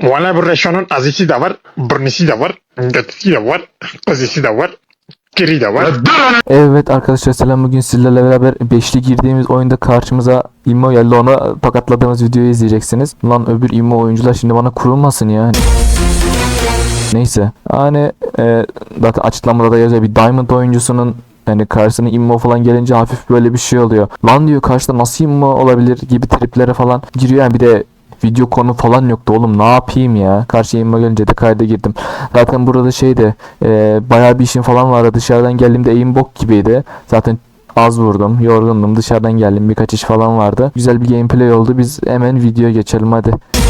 Valla bu Reşon'un azisi de var, burnisi de var, götüsü de var, kızısı da var, kiri de var. Evet arkadaşlar selam, bugün sizlerle beraber beşli girdiğimiz oyunda karşımıza immo geldi, ona tokatladığımız videoyu izleyeceksiniz. Lan öbür immo oyuncular şimdi bana kurulmasın ya. Neyse hani zaten açıklamada da yazıyor, bir diamond oyuncusunun yani karşısına immo falan gelince hafif böyle bir şey oluyor. Lan diyor, karşıda nasıl immo olabilir gibi triplere falan giriyor yani. Bir de video konu falan yoktu oğlum, ne yapayım ya. Karşıya immo gelince de kayda girdim. Zaten burada şeyde bayağı bir işim falan vardı. Dışarıdan geldiğimde aim bok gibiydi. Zaten az vurdum, yorgundum, dışarıdan geldim, birkaç iş falan vardı. Güzel bir gameplay oldu. Biz hemen videoya geçelim hadi.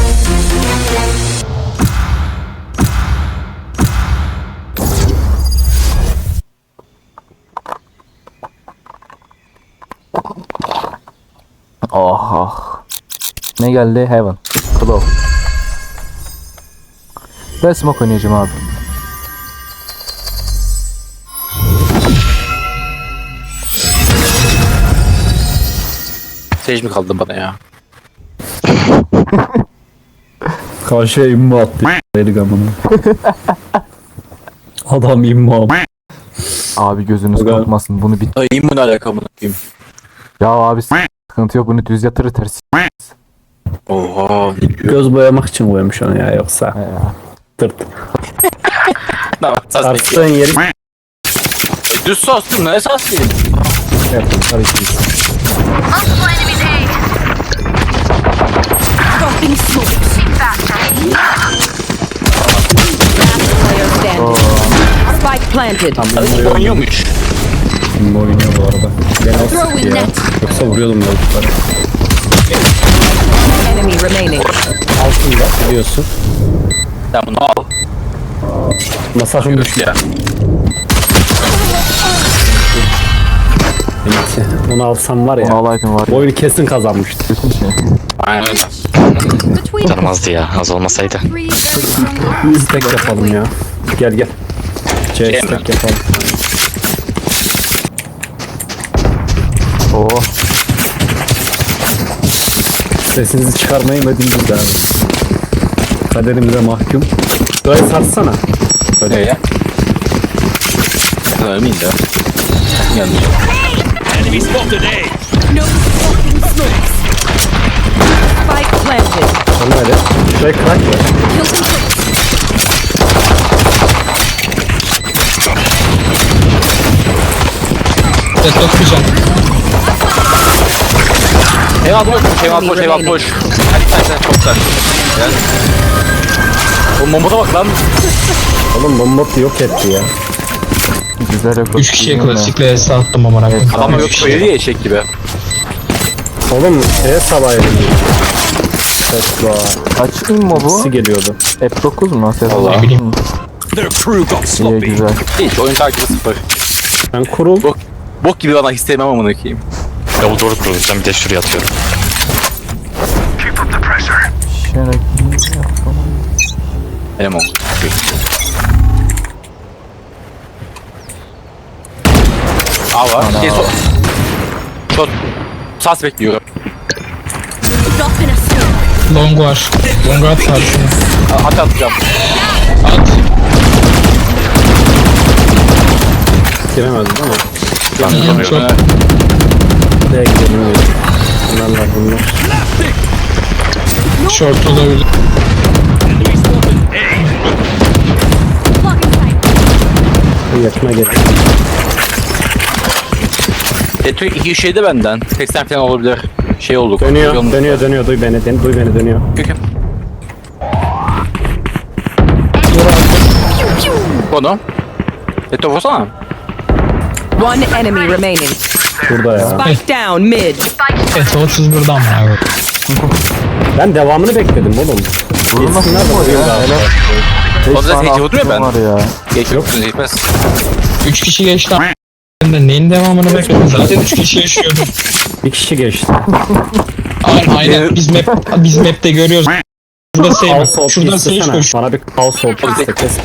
Oh oh. Ne geldi? Heaven. Claw. Ben smoke oynayacağım abi. Sage mi kaldı bana ya? Karşıya immo attı. Dedik amına. Adam immo. Abi gözünüz Aga. korkmasın, bunu bir... Ay immun alakalı bakayım. Ya abi sıkıntı yok, bunu düz yatırır ters. Oha. Göz boyamak için koymuş onu ya, yoksa. Ya. Tırt. Tamam, sas Tarttığın bekliyor. yeri Düz sos değil mi? Ne sas değil? yapın. Tabii ki. Dropping smoke. Player standing. Spike planted. Oynuyormuş. İmmo oynuyor bu arada. Ben o Throwing sıktı ya. net. Yoksa vuruyordum yolculukları. Enemy remaining. Altında biliyorsun. Sen bunu al. Masajım düştü. Ya. Evet. Onu alsam var Onu ya. alaydım var Bu ya. oyunu kesin kazanmıştı. Bütün şey. Aynen öyle. Between Tanımazdı ya, az olmasaydı. three very strong. Stack yapalım ya. Gel gel. C Şey stack mi? yapalım. Oh. Sesinizi çıkarmayı medindiniz abi. Kaderimize mahkum. Böyle sarsana. Öyle ya. Öyle miyim de? Yanlış. No dropping smokes. Spike planted. Sonra öyle. Şuraya crack var. Kill complete. Eyvah boş, eyvah boş, eyvah boş. Hadi sen çok güzel. Gel. O momoda bak lan. Oğlum bomba yok etti ya. Güzel rekor. 3 kişiye klasikle S attım amına koyayım. Adamlar yok Üç böyle kişiye. diye eşek gibi. Oğlum şeye sabah edildi. Tesla. Kaç immo bu? Nasıl geliyordu? F9 mu? Allah. Ne bileyim. İyi, güzel. Hiç oyun takibi sıfır. Ben kurul. Bok gibi bana hissetmem amına koyayım. Davul doğru kuruyoruz. Ben bir de şuraya atıyorum. Şerek. Benim olsun. A var. Ana. Şey so. Shot. Sas bekliyorum. Dropping a smoke. Long var. Long at var şunu. At atacağım. At. Giremezdim ama. Ben Çok. Buraya gidelim. Bunlarla bunlar. Short olabilir. Blocking sight. Yakına gel. Detü 2 şey de benden. 80 falan olabilir. Şey olduk. Dönüyor, Yolun- dönüyor, dönüyor. Duy beni, duy beni, dönüyor. Köküm. Konu. Detü vursana. One enemy remaining. Burada ya. Spike down mid. S31'dan amına koyayım. Ben devamını bekledim oğlum. Vurulmasın Yesinler de immo vurayım ya. daha. Helal. O 5 da tane seyirci oturuyor attım ben. var ya. Geç yoksun yetmez. 3 kişi geçti. Ben de neyin devamını bekledim. Zaten 3 kişi yaşıyordu. Bir kişi geçti. Aynen. Biz map'te görüyoruz. Şurada save. House of Şuradan save istesene. koş. Bana bir house of iste kes.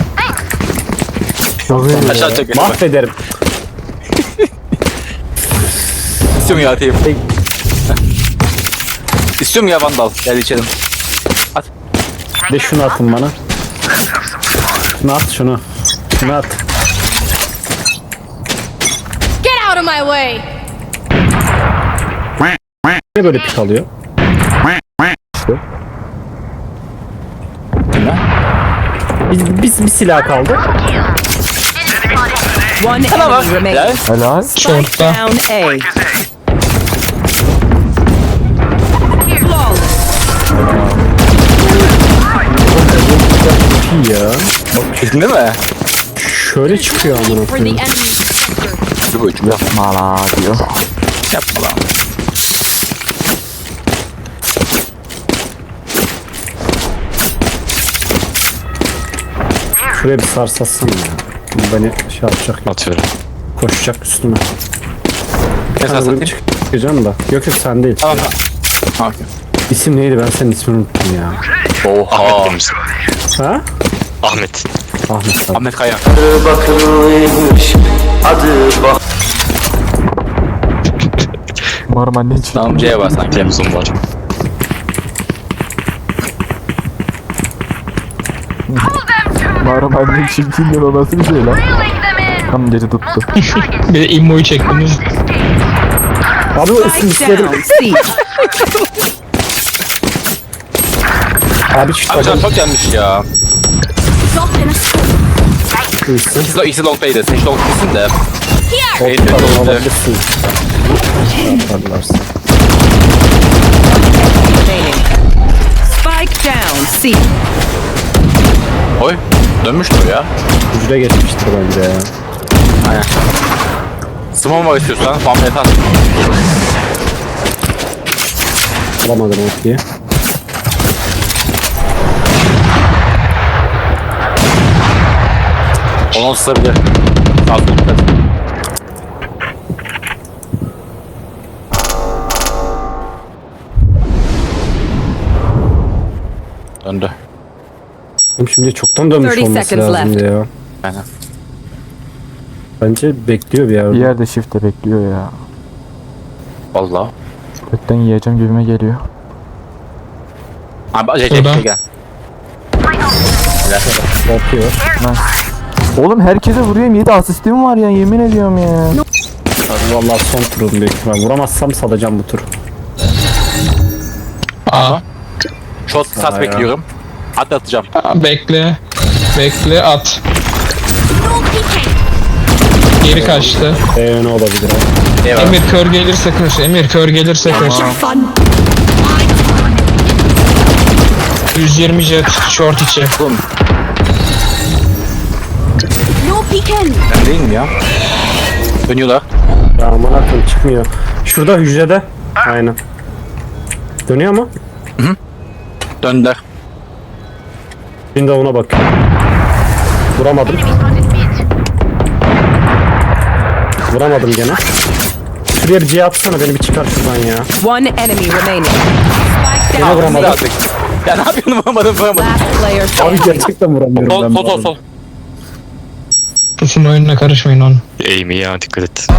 Çok iyi Aşağı ya. çek. Mahvederim. İstiyorum ya atayım. İstiyorum ya vandal. Gel içelim. At. Bir de şunu atın bana. Şunu at şunu. Şunu at. Get out of my way! Ne böyle pik alıyor? Bir silah kaldı. One enemy remaining. Helal. Short'ta. Down A. Flawless. İyi ya. Bildin mi? Şöyle çıkıyor amına For the koyayım. enemy. Dur ucum yap. Mala diyor. Yapma lan. Şuraya bir sarsatsana ya. Bu beni şey yapacak. Atıyorum. Koşacak üstüme. Ne Sana satayım? çıkacağım da. Yok sen değil. Tamam tamam. İsim neydi? Ben senin ismini unuttum ya. Oha. Ahmet benim ismim. Ha? Ahmet. Ahmet sen. Ahmet Kaya. Umarım annen için. Tamam C'ye bas sanki. Temizim var. Umarım annen çirkindir, o nasıl bir şey lan? Tam gece tuttu. Bir de immoyu çektiniz. Abi o isim istedim. Down C. Abi şu Abi sen takım çok yanlış ya. Drop in a smoke. isim. İkisi long play'de. Sen long play'sin de. Here! Eğitim Takım oldu. alabilirsin. Yaparlarsa. Remaining. Spike down C. Oy. Dönmüştür o ya. Hücre geçmiştir bence ya. Aynen. Small var istiyorsan. Family at. Alamadım o diye. Onu ısırabilir. Sağ sol. Döndü. Oğlum şimdi çoktan dönmüş 30 olması seconds lazımdı ya. Aynen. Bence bekliyor bir yerde. Bir yerde shift'te bekliyor ya. Valla. Gökten yiyeceğim gibime geliyor. Abi acele Şurada. gel. Korkuyor. Oğlum herkese vuruyorum, 7 asistim var ya, yemin ediyorum ya. Abi vallahi son turum büyük ihtimal. Vuramazsam salacağım bu tur. A. Shot sat bekliyorum. At atacağım. Bekle. Bekle at. Geri kaçtı. Ne olabilir abi? Eyvallah. Emir kör gelirse kır. Emir kör gelirse kır. 120 jet short içi. No peeking! Ben değil mi ya? Dönüyorlar. Ya aman akım çıkmıyor. Şurada hücrede. Aynen. Dönüyor mu? Döndüler. Şimdi de ona bak. Vuramadım. Vuramadım gene. Şuraya bir C atsana, beni bir çıkar şuradan ya. One enemy remaining. Spike Gene down. vuramadım. Artık. Ya ne yapıyorsun vuramadım. Last player Abi standing. gerçekten vuramıyorum Sol ben. sol bu sol arada. sol. Susun oyununa karışmayın onu. Eğimi ya, dikkat et.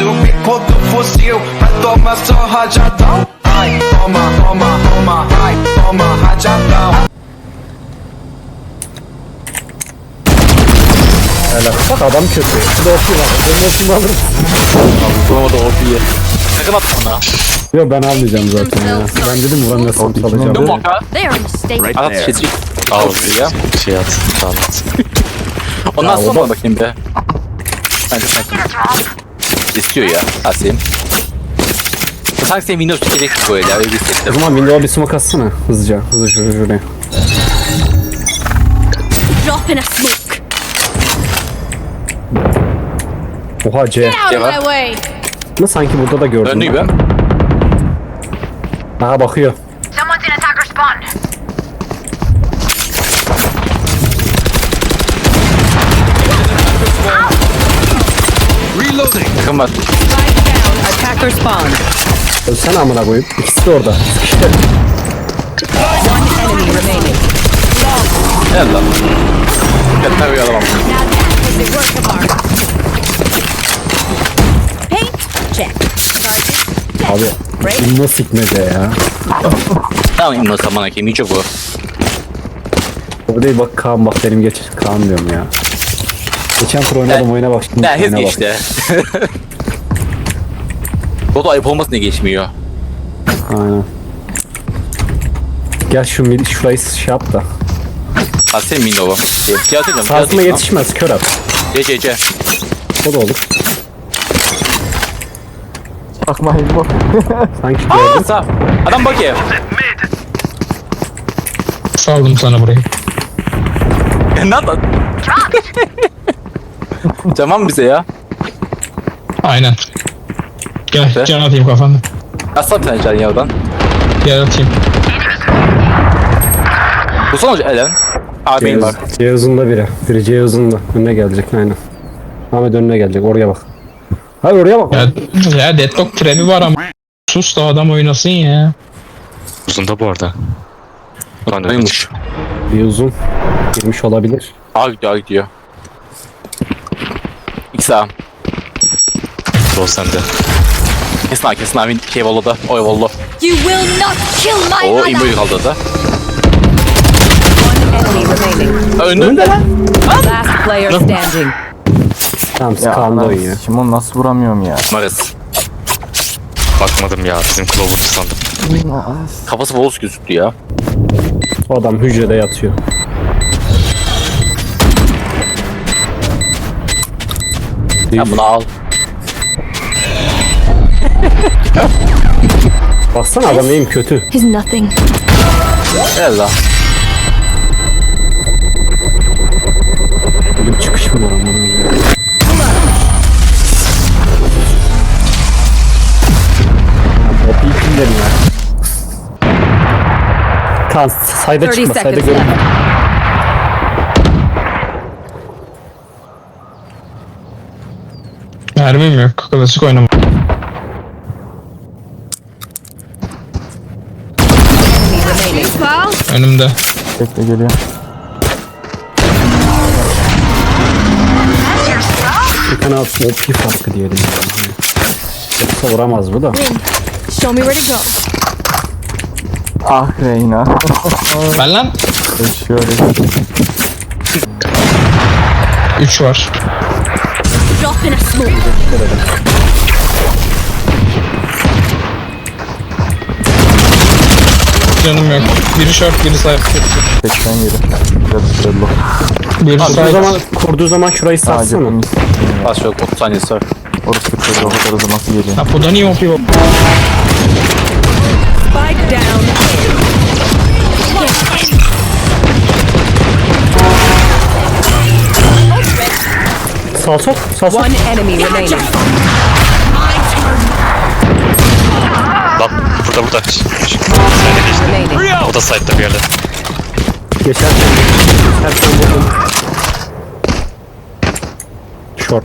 Helal. Bak adam kötü. Şurada OP var. Ben OP'mi alırım. Vuramadı OP'yi. Sakın atma ona. Yok ben almayacağım zaten ya. Ben dedim vuramıyorsam salacağım. Dön baka. They're mistaken. At şey. Al ya. şey at. Tamam at. Ondan sonra bakayım be. Bence sen. İstiyor ya. Asim. Sanki senin Windows çekecek böyle ya. Öyle bir O hissettim. zaman window'a bir smoke atsana. Hızlıca. Hızlı şuraya. Drop in a smoke. Oha C. Get out of Devam. my way! Ama sanki burada da gördüm. Döndü gibi. Aha bakıyor. Someone's in attacker spawn. Takım var. Spike down. Attacker spawn. Ölsene amına koyayım. İkisi de orada. One enemy remaining. Gel lan. Yeter bir adam. Now that is a work of art. Paint. Check. Charges. Abi. İmmo sikmece ya. Tamam İmno saman hakem. İyi çok bu. O değil bak Kaan bak benim geç Kaan diyorum ya. Geçen tur oynadım oyuna bak şimdi Ya hep oyuna bak. geçti. O da ayıp olmasın diye geçmiyor. Aynen. Gel şurayı şey yap da. Ha senin min oğlum. Fiyat edeceğim. Sağsına yetişmez kör at. C. O da olur. Bakma İmmo. Sanki gördüm. Sağ. Adam bak ya. Saldım sana burayı. Ne yaptın? Tamam bize ya. Aynen. Gel Evet. can atayım kafanda. Aslan bir tane can ya oradan. Gel atayım. Bu son hoca Elen. Abi var. C uzunda biri. Biri C uzunda. Önüne gelecek aynen. Ahmet önüne gelecek oraya bak. Hayır oraya bak. Ya deadlock trebi var ama. Sus da adam oynasın ya. Uzunda bu arada. Lan öyle. Neymiş? Bir uzun. Girmiş olabilir. A gidiyor. X A. Rol sende. Kesin abi şey valladı. Oy vallo. You will not kill my O mother. imboyu kaldırdı. Enemy remaining. Önünde lan. Last player standing. Tamam Ya Kaan'da ben oynuyor. şimdi onu nasıl vuramıyorum ya. Maris. Bakmadım ya. Bizim Clover'dı sandım. Kafası Wolves gözüktü ya. O adam hücrede yatıyor. Sen bunu al. Baksana adam neyim kötü. Is nothing. Gel lan. Böyle bir çıkış mı var ama? O iyi kimlerim ya. Kaan sayda 30 çıkma sayda seconds görünme. left. Mermim yok. Klasik oynama. Enemy remaining. Önümde. Bekle geliyor. Bir tane OP farkı diyelim. Yoksa vuramaz bu da. Show me where to go. Ah Reyna. Ben lan. Şöyle. 3 var. Drop in a smoke. Canım yok. Biri short, biri side. 87. Biraz bello. Biri Kurduğu zaman şurayı Sadece satsana. mis. Bas yok 30 saniyesi var. Orası kırdı. O kadar hızlı nasıl geliyor? Ha bu da niye OP? Spike down. Sağ sok. One enemy remaining. Lan burada. Remaining. O da side'da bir yerde. Geçerken vurdum. Short.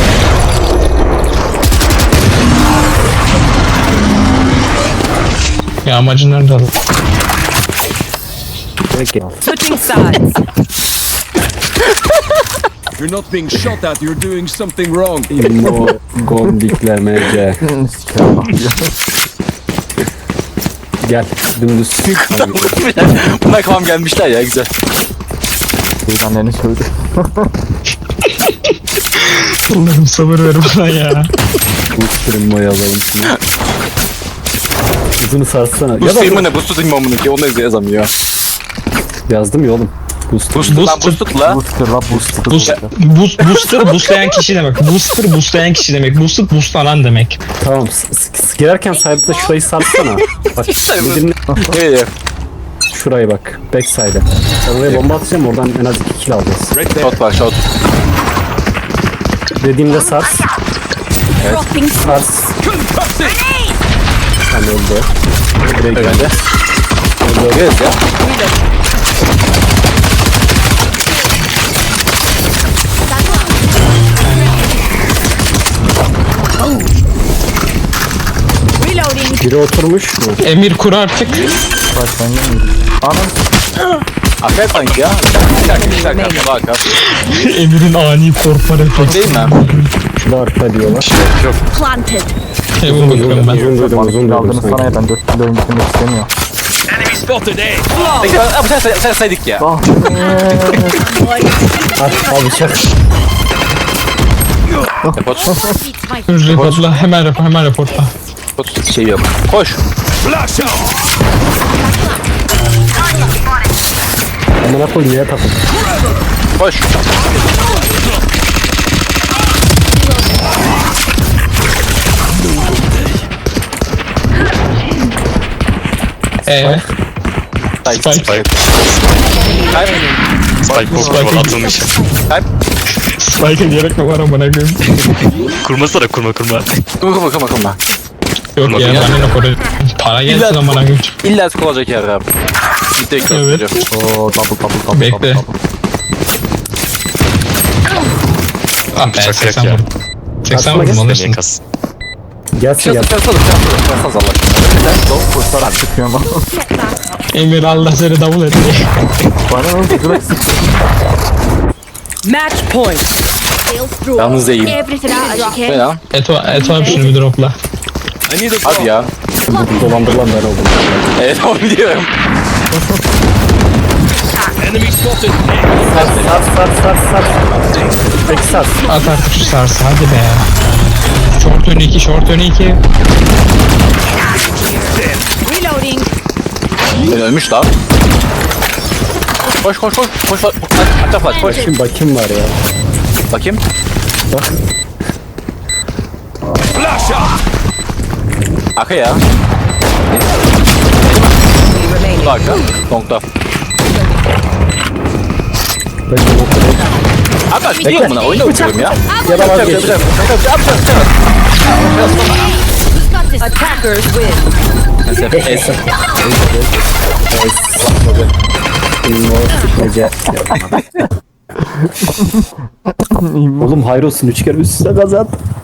Ya amacın nerede adam? Direkt gel. Switching sides. You're not being shot at, you're doing something wrong. İmmo gondiklemece. Sikerim bak ya. Gel dümdüz. Buna kafam gelmişler ya güzel. Şeyden anneni söyledi. Allah'ım sabır ver bana ya. Sürün boy alalım şunu. Uzunu sarsana. Bu Ya stream'ı da ne? Bu stream'ı amına ki onu da yazamıyor. yazdım ya oğlum. Boost. Boost lan boost la. Booster la booster. Booster boostlayan kişi demek. Booster boostlayan kişi demek. Boosted boostlanan demek. Tamam girerken side'da şurayı sarsana. Bak dinle. Evet. Şurayı bak. Backside'e. Oraya bomba atacağım oradan en az 2 kill alacağız. Shot var shot. Dediğimde sars. Dropping Sars. Tam öldü. Buraya geldi. Öyle. Görüyoruz ya. reloading. Biri oturmuş mu? Emir kur artık. Bak sen yemiyorsun. Anam. Aferin sanki ya. Bir dakika. Bak abi. Emir'in ani korkma refleksi. Değil mi? Şurada arka diyorlar. Planted. Heaven bakıyorum ben. Uzun duydum Bana uzun kill duydum aldınız sana sanki. ya ben 4 kilo oyun bitirmek istemiyorum. Spotted A. Peki abi sen saydık ya. Al bıçak. Report. Reportla hemen reportla. Report şey yok. Koş. Flash out. Amına koyayım ya takım. Koş. Spike. Spike. Kayb. Spike kurma atılmış. Kayb. Spike'ın gerek mi var amına koyayım? Kurmasana kurma. Kırma. Yok ya bana ne para. Para gelsin amına koyayım. İlla olacak yer abi. Bir tek Evet. Oo double. Bekle. Ah be Bıçak 80 yok ya. vurdum. 80 vurdum Niye alırsın. kas? Gelsin gel. Çarpsız Allah aşkına. Çıkıyorum bak. Emir Allah seni davul etti. Bana ne oldu? Direkt sıktı. Match point. Yalnız değil. Everything out as you Ne can. lan? Eto abi şunu bir dropla. I need a Hadi ya. Dolandırılan ben oldum. Evet onu biliyorum. enemy spotted. Sat. Peki sat. At artık şu sarsı hadi be. Short önü 2. Reloading. Ben ölmüş lan. Koş. Aç flash koş. Bakayım var ya. Bakayım. Flash out. Arka ya. Remaining. Arka. Long'da. Abi ben gidiyorum buna. Oyuna vuruyorum ya. Ya da vazgeç. Attackers win. Oğlum hayrolsun 3 kere üst üste kazan.